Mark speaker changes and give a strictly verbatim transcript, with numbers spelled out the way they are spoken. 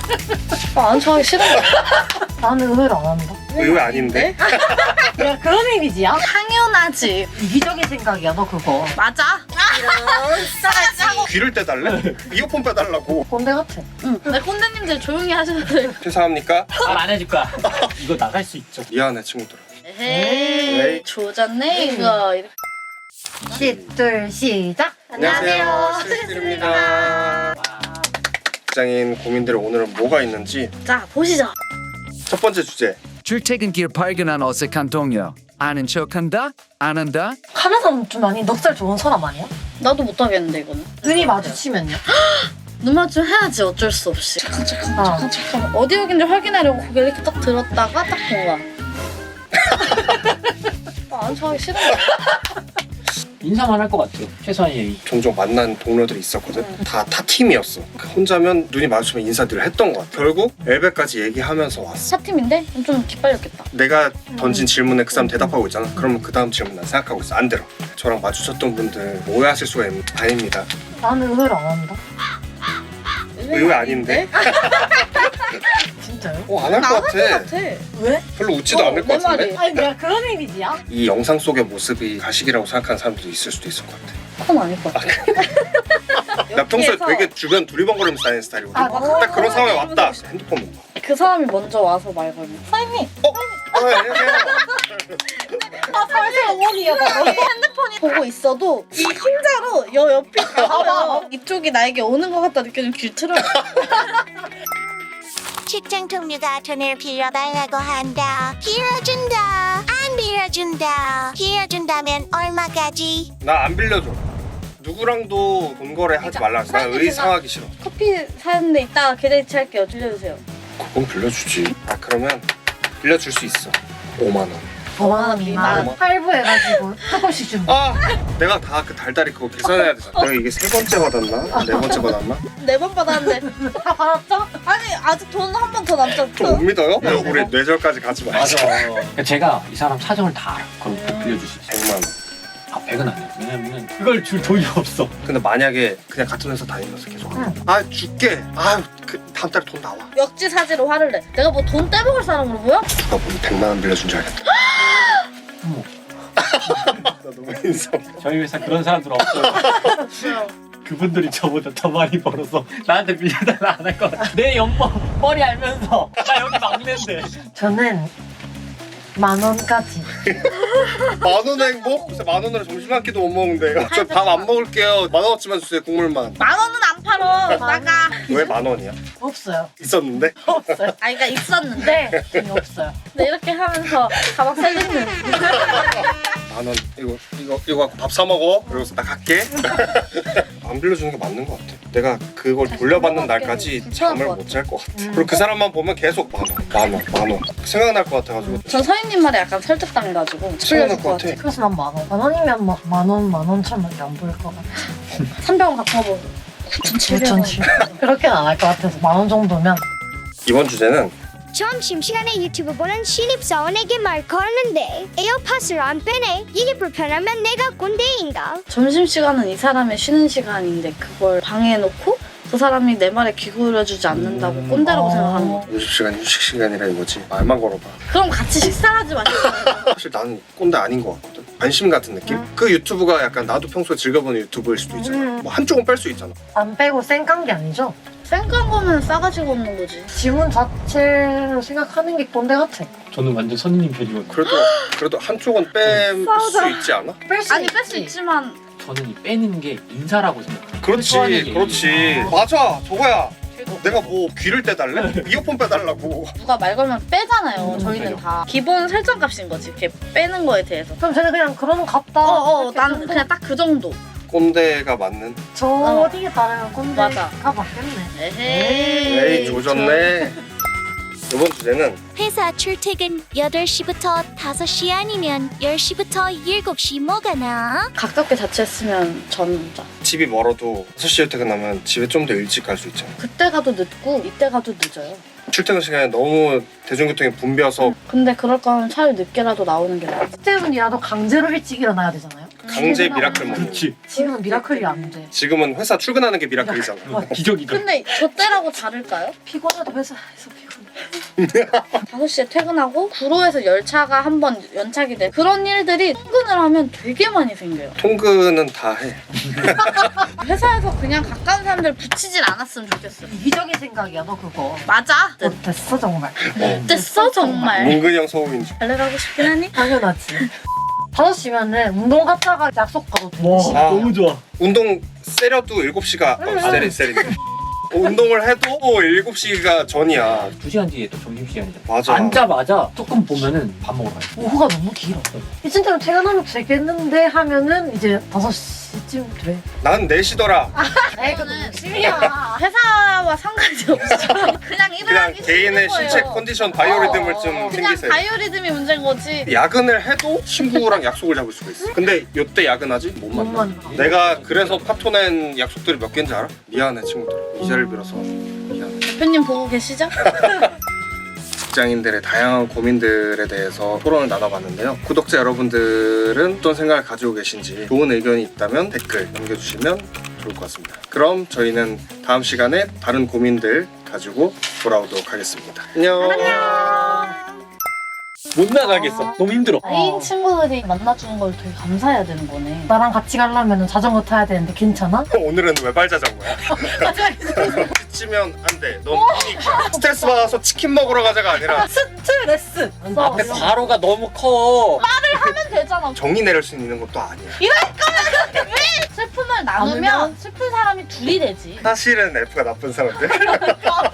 Speaker 1: 아, 안 좋아하기 싫은 거야.
Speaker 2: 나는 의외로 안 한다.
Speaker 3: 의외 아닌데?
Speaker 2: 야, 그런 이미지야?
Speaker 1: 당연하지.
Speaker 2: 이기적인 생각이야, 너 그거.
Speaker 1: 맞아. 이런
Speaker 3: 귀를 떼달래? 이어폰 빼달라고.
Speaker 2: 꼰대 같아.
Speaker 1: 응. 내 꼰대님들 조용히 하셔야 돼.
Speaker 3: 퇴사합니까?
Speaker 4: 말 안 해줄 거야. 이거 나갈 수 있죠.
Speaker 3: 미안해 친구들아.
Speaker 1: 에헤이.
Speaker 3: 에이.
Speaker 1: 조졌네 이거.
Speaker 2: 시둘 시작.
Speaker 3: 안녕하세요. 실실입니다. 직장인 고민들 오늘은 뭐가 있는지
Speaker 1: 자 보시죠.
Speaker 3: 첫 번째 주제.
Speaker 5: 출퇴근길 발견한 어색한 동료. 아는 척한다? 안 한다?
Speaker 2: 하는 사람 좀 많이 넉살 좋은 사람 아니야?
Speaker 1: 나도 못하겠는데 이거는.
Speaker 2: 눈이 마주치면요?
Speaker 1: 눈 마주치면 해야지 어쩔 수 없이. 잠깐 잠깐
Speaker 2: 어.
Speaker 1: 잠깐 잠깐. 어디 여긴지 확인하려고 고개를 이렇게 딱 들었다가 딱 본 거야. 아, 안 좋아하기 싫은 거야.
Speaker 4: 인사만 할 것 같아요. 최소한의 예의.
Speaker 3: 종종 만난 동료들이 있었거든. 다 타 팀이었어. 혼자면 눈이 마주치면 인사들을 했던 것 같아. 결국 엘베까지 얘기하면서 왔어.
Speaker 1: 사팀인데 좀 기빨렸겠다.
Speaker 3: 내가 던진 질문에 그 사람 대답하고 있잖아. 그러면 그 다음 질문 난 생각하고 있어. 안 들어. 저랑 마주쳤던 분들 오해하실 수가 있... 아닙니다.
Speaker 2: 나는 의외로 안 한다.
Speaker 3: 의외 아닌데?
Speaker 2: 진짜요?
Speaker 3: 어, 안 할 것
Speaker 1: 나갈
Speaker 3: 같아.
Speaker 1: 것 같아.
Speaker 2: 왜?
Speaker 3: 별로 웃지도
Speaker 1: 어,
Speaker 3: 않을 것
Speaker 1: 내
Speaker 3: 같은데?
Speaker 1: 말이.
Speaker 2: 아니, 내가 그런 이미지야?
Speaker 3: 이 영상 속의 모습이 가식이라고 생각하는 사람들도 있을 수도 있을 것 같아.
Speaker 1: 그건 아닐 것 같아.
Speaker 3: 나 평소에
Speaker 1: 여기에서
Speaker 3: 되게 주변 두리번거리면서 다니는 스타일이거든.
Speaker 2: 아, 맞아.
Speaker 3: 딱 그런 상황에 왔다. 핸드폰 못 봐.
Speaker 1: 그 사람이 먼저 와서 말 걸면 사장님
Speaker 3: 어? 어, 안녕하세요.
Speaker 2: 아, 사실 어머니야, 나.
Speaker 1: 핸드폰이 보고 있어도 이 흰자로 여 옆이 가면 이쪽이 나에게 오는 것 같다 느껴지면 길 틀어.
Speaker 6: 직장 동료가 돈을 빌려달라고 한다. 빌려준다. 안 빌려준다. 빌려준다면 얼마까지?
Speaker 3: 나 안 빌려줘. 누구랑도 돈 거래 하지 말라 했어. 나
Speaker 1: 사장님,
Speaker 3: 의상하기 싫어.
Speaker 1: 커피 사는데 이따가 계좌이체 할게요. 빌려주세요.
Speaker 3: 그건 빌려주지. 아 그러면 빌려줄 수 있어. 오만 원.
Speaker 2: 오만 원 미만
Speaker 3: 오만.
Speaker 2: 할부해가지고 조금씩 주면.
Speaker 3: 아 내가 다 그 달달이 그거 계산해야 되잖아. 내가 이게 세 번째 받았나? 네 번째 받았나?
Speaker 1: 네 번 받았는데
Speaker 2: 다 받았죠?
Speaker 1: 아니 아직 돈 한 번 더 남잖아.
Speaker 3: 좀 못 믿어요? 우리 뇌절까지 가지 말자.
Speaker 4: 맞아. 그러니까 제가 이 사람 사정을 다 알아. 그럼 꼭 빌려줄 수 있어.
Speaker 3: 백만 원.
Speaker 4: 아, 백은 안 돼. 왜냐면은 그걸 줄 돈이 없어.
Speaker 3: 근데 만약에 그냥 같은 회사 다니면서 계속
Speaker 2: 응.
Speaker 3: 아 줄게. 아그 다음 달에 돈 나와.
Speaker 1: 역지사지로 화를 내. 내가 뭐 돈 떼먹을 사람으로 보여?
Speaker 3: 누가 보면 백만 원 빌려준 줄 알겠다.
Speaker 4: 어머.
Speaker 3: 나 너무 인성.
Speaker 4: 저희 회사 그런 사람들 없어요. 그분들이 저보다 더 많이 벌어서 나한테 빌려달라 안 할 것 같아. 내 연봉 뻔히 알면서 나 여기 막내인데.
Speaker 2: 저는 만 원까지.
Speaker 3: 만 원의 행복? 글쎄 만 원으로 점심 한 끼도 못 먹는데요. 저 밥 안 먹을게요. 만 원어치만 주세요. 국물만.
Speaker 1: 만 원은 안 팔어. 나가.
Speaker 3: 왜 만 원이야?
Speaker 2: 없어요.
Speaker 3: 있었는데?
Speaker 2: 없어요.
Speaker 1: 아 그러니까 있었는데
Speaker 2: 네, 돈이 없어요.
Speaker 1: 근데 이렇게 하면서 가방 셀리는.
Speaker 3: 만 원 이거 이거 이거 갖고 밥 사 먹어. 그러고서 나 갈게. 안 빌려주는 게 맞는 것 같아. 내가 그걸 돌려받는 날까지 잠을 못 잘 것 같아. 그리고 그 사람만 보면 계속 만 원, 만 원, 만 원 생각날 것 같아가지고.
Speaker 1: 전 서인님 말에 약간 설득당해가지고
Speaker 3: 생각날
Speaker 1: 빌려줄
Speaker 3: 것 같아.
Speaker 2: 그래서 난 만 원. 만 원이면 막 만 원, 만 원천밖에 안 보일 것 같아.
Speaker 1: 삼백 원 갖고 와보. 구천칠백 원.
Speaker 2: 구천칠백. 그렇게는 안 할 것 같아서 만 원 정도면.
Speaker 3: 이번 주제는
Speaker 6: 점심시간에 유튜브 보는 신입사원에게 말 걸었는데 에어팟을 안 빼네. 이게 불편하면 내가 꼰대인가?
Speaker 1: 점심시간은 이 사람의 쉬는 시간인데 그걸 방해해놓고 그 사람이 내 말에 귀 기울여주지 않는다고
Speaker 4: 음.
Speaker 1: 꼰대라고
Speaker 2: 어.
Speaker 1: 생각하는 거야.
Speaker 3: 오십 시간 휴식 시간이라 이거지. 말만 걸어봐.
Speaker 1: 그럼 같이 식사를 하지 마시고.
Speaker 3: 사실 나는 꼰대 아닌 것 같거든. 관심 같은 느낌? 그 유튜브가 약간 나도 평소에 즐겨보는 유튜브일 수도 있잖아.
Speaker 2: 음.
Speaker 3: 뭐 한쪽은 뺄 수 있잖아.
Speaker 2: 안 빼고 쌩깐 게 아니죠?
Speaker 1: 쌩깐 거면 싸가지가 없는 거지.
Speaker 2: 질문 자체를 생각하는 게 꼰대 같아.
Speaker 4: 저는 완전 선생님 편이거든요.
Speaker 3: 그래도 그래도 한쪽은 뺄 수
Speaker 1: 싸우자.
Speaker 3: 있지 않아?
Speaker 2: 뺄 수
Speaker 1: 아니
Speaker 2: 있지.
Speaker 1: 뺄 수 있지만
Speaker 4: 저는 이 빼는 게 인사라고 생각해요.
Speaker 3: 그렇지,
Speaker 4: 최소한의 예의.
Speaker 3: 그렇지. 맞아, 저거야. 내가 뭐 귀를 떼달래? 이어폰 빼달라고.
Speaker 1: 누가 말 걸면 빼잖아요.
Speaker 4: 음,
Speaker 1: 저희는
Speaker 4: 빼죠.
Speaker 1: 다 기본 설정값인 거지. 이렇게 빼는 거에 대해서.
Speaker 2: 그럼 쟤는 그냥 그러면 갔다.
Speaker 1: 어어
Speaker 2: 이렇게
Speaker 1: 나는
Speaker 2: 정도?
Speaker 1: 그냥 딱 그 정도.
Speaker 3: 꼰대가 맞는.
Speaker 2: 저
Speaker 1: 어.
Speaker 2: 어디에 따르면 꼰대가
Speaker 1: 맞아.
Speaker 2: 맞겠네.
Speaker 1: 에헤이.
Speaker 3: 에이 조졌네. 이번 주제는
Speaker 6: 회사 출퇴근 여덟 시부터 다섯 시 아니면 열 시부터 일곱 시 뭐가 나?
Speaker 1: 가깝게 자취했으면 전자.
Speaker 3: 집이 멀어도 여섯 시에 퇴근하면 집에 좀 더 일찍 갈 수 있잖아.
Speaker 1: 그때 가도 늦고 이때 가도 늦어요.
Speaker 3: 출퇴근 시간에 너무 대중교통이 붐벼서
Speaker 1: 근데 그럴 거면 차라리 늦게라도 나오는 게 나아.
Speaker 2: 때문이라도 강제로 일찍 일어나야 되잖아요.
Speaker 3: 강제 미라클 먹는 거.
Speaker 4: 그렇지.
Speaker 2: 지금은 미라클이 안 돼.
Speaker 3: 지금은 회사 출근하는 게 미라클이잖아.
Speaker 4: 기적이다.
Speaker 1: 근데 저 때라고 다를까요?
Speaker 2: 피곤해도 회사에서 피곤해.
Speaker 1: 다섯 시에 퇴근하고 구로에서 열차가 한 번 연착이 돼. 그런 일들이 퇴근을 하면 되게 많이 생겨요.
Speaker 3: 통근은 다 해.
Speaker 1: 회사에서 그냥 가까운 사람들 붙이질 않았으면 좋겠어요.
Speaker 2: 이기적인 생각이야 너 그거.
Speaker 1: 맞아.
Speaker 2: 어, 됐어 정말.
Speaker 1: 됐어 정말.
Speaker 3: 문근이 형 소음인 줄.
Speaker 1: 달래 가고 싶긴 하니?
Speaker 2: 당연하지. 다섯 시면은 운동 갔다가 약속 가도 돼.
Speaker 4: 와
Speaker 3: 아.
Speaker 4: 너무 좋아.
Speaker 3: 운동 세려도 일곱 시가 어, 세리 세리. 어, 운동을 해도 일곱 시가 전이야.
Speaker 4: 두 시간 뒤에 또 점심시간이잖아.
Speaker 3: 맞아.
Speaker 4: 앉자마자 조금 보면은 밥 먹으러 가요.
Speaker 2: 오후가 너무 길어. 이쯤 퇴근하면 되겠는데 하면은 이제 다섯 시쯤 돼.
Speaker 3: 난 네 시더라.
Speaker 2: 에이 그건 욕심이야.
Speaker 1: 회사와 상관이 없어. 그냥 일을
Speaker 3: 그냥
Speaker 1: 하기
Speaker 3: 개인의
Speaker 1: 싫은 거예요.
Speaker 3: 신체 컨디션 바이오리듬을
Speaker 2: 어,
Speaker 3: 좀
Speaker 1: 그냥
Speaker 3: 생기세요.
Speaker 1: 바이오리듬이 문제인 거지.
Speaker 3: 야근을 해도 친구랑 약속을 잡을 수가 있어. 근데 요때 야근하지? 못
Speaker 2: 못
Speaker 3: 만나.
Speaker 2: 만나.
Speaker 3: 내가 그래서 파토낸 약속들이 몇 개인지 알아? 미안해 친구들. 이 자리를 빌어서 미안해.
Speaker 1: 대표님 보고 계시죠?
Speaker 3: 직장인들의 다양한 고민들에 대해서 토론을 나눠봤는데요. 구독자 여러분들은 어떤 생각을 가지고 계신지 좋은 의견이 있다면 댓글 남겨주시면 좋을 것 같습니다. 그럼 저희는 다음 시간에 다른 고민들 가지고 돌아오도록 하겠습니다. 안녕.
Speaker 4: 못 나가겠어. 너무 힘들어.
Speaker 1: 애인 친구들이 만나주는 걸 되게 감사해야 되는 거네.
Speaker 2: 나랑 같이 가려면 자전거 타야 되는데 괜찮아?
Speaker 3: 오늘은 외발 자전거야. 지치면 안 돼. 넌 뛰니까. 스트레스 받아서 치킨 먹으러 가자가 아니라
Speaker 2: 스트레스.
Speaker 4: 앞에 바로가 너무 커.
Speaker 1: 하면 되잖아.
Speaker 3: 정의 내릴 수 있는 것도 아니야.
Speaker 1: 슬픔을 나누면 슬픈 사람이 둘이 되지.
Speaker 3: 사실은 F가 나쁜 사람들.